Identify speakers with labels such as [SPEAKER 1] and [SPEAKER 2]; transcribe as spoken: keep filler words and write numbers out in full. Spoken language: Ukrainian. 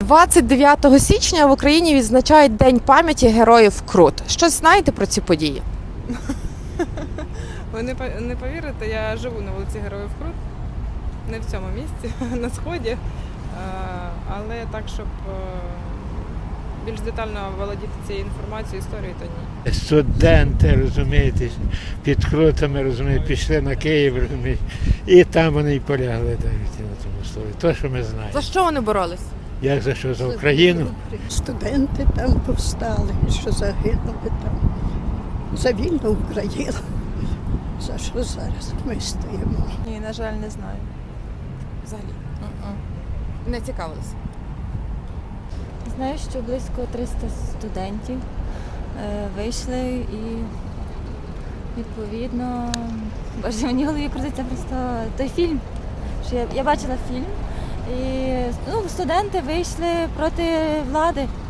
[SPEAKER 1] двадцять дев'ятого січня в Україні відзначають День пам'яті героїв Крут. Щось знаєте про ці події?
[SPEAKER 2] Ви не по- не повірите, я живу на вулиці Героїв Крут, не в цьому місці, на сході. Е, Але так, щоб е, більш детально володіти цією інформацією, історією, то ні.
[SPEAKER 3] Студенти, розумієте, під Крутами, розумієте, пішли на Київ, розумієте, і там вони й полягли так, на тому слові. То, що ми знаємо.
[SPEAKER 1] За що вони боролись?
[SPEAKER 3] Як за що? За Україну?
[SPEAKER 4] Студенти там повстали, що загинули там. За вільну Україну. За що зараз ми стоїмо?
[SPEAKER 2] Ні, на жаль, не знаю.
[SPEAKER 1] Взагалі. Не цікавились.
[SPEAKER 5] Знаю, що близько триста студентів е, вийшли і відповідно, боже, мені в голові крутиться просто той фільм. Що я, я бачила фільм, і ну, студенти вийшли проти влади.